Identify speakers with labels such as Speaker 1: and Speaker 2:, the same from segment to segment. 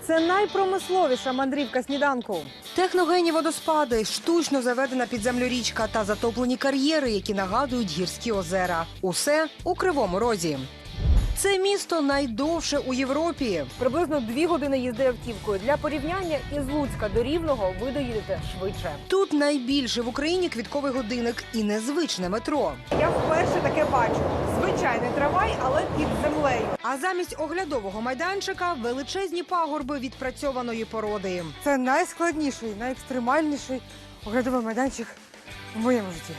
Speaker 1: Це найпромисловіша мандрівка сніданку. Техногенні водоспади, штучно заведена під землю річка та затоплені кар'єри, які нагадують гірські озера. Усе у Кривому Розі. Це місто найдовше у Європі. Приблизно 2 години їзди автівкою. Для порівняння із Луцька до Рівного ви доїдете швидше. Тут найбільше в Україні квітковий годинник і незвичне метро. Я вперше таке бачу. Звичайний трамвай, але під землею. А замість оглядового майданчика величезні пагорби відпрацьованої породи. Це найскладніший, найекстремальніший оглядовий майданчик в моєму житті.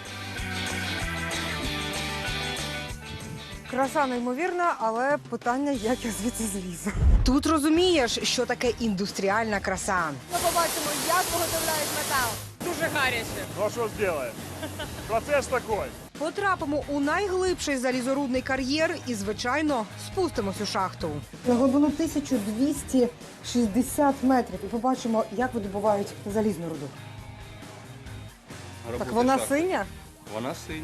Speaker 1: Краса неймовірна, але питання, як я звідси злізу. Тут розумієш, що таке індустріальна краса. Ми побачимо, як виготовляють метал.
Speaker 2: Дуже гаряче.
Speaker 3: Ну а що зробимо? Процес такий.
Speaker 1: Потрапимо у найглибший залізорудний кар'єр і, звичайно, спустимось у шахту. На глибину 1260 метрів і побачимо, як видобувають залізну руду. Так вона синя?
Speaker 4: Вона синя.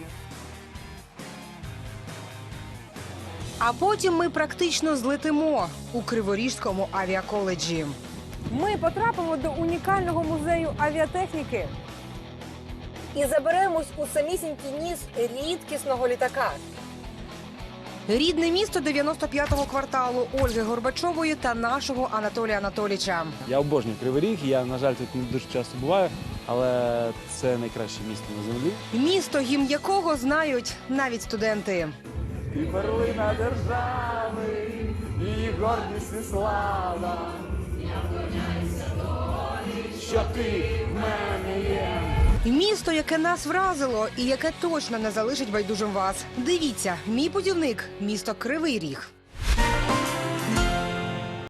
Speaker 1: А потім ми практично злетимо у Криворізькому авіаколеджі. Ми потрапимо до унікального музею авіатехніки і заберемось у самісінький ніс рідкісного літака. Рідне місто 95-го кварталу Ольги Горбачової та нашого Анатолія Анатолійовича.
Speaker 5: Я обожнюю Кривий Ріг, я, на жаль, тут не дуже часто буваю, але це найкраще місто на землі.
Speaker 1: Місто, гімн якого знають навіть студенти.
Speaker 5: Ти перлина держави, її гордість і слава. Я вклоняюся долі, що ти в мене є.
Speaker 1: Місто, яке нас вразило і яке точно не залишить байдужим вас. Дивіться, мій путівник – місто Кривий Ріг.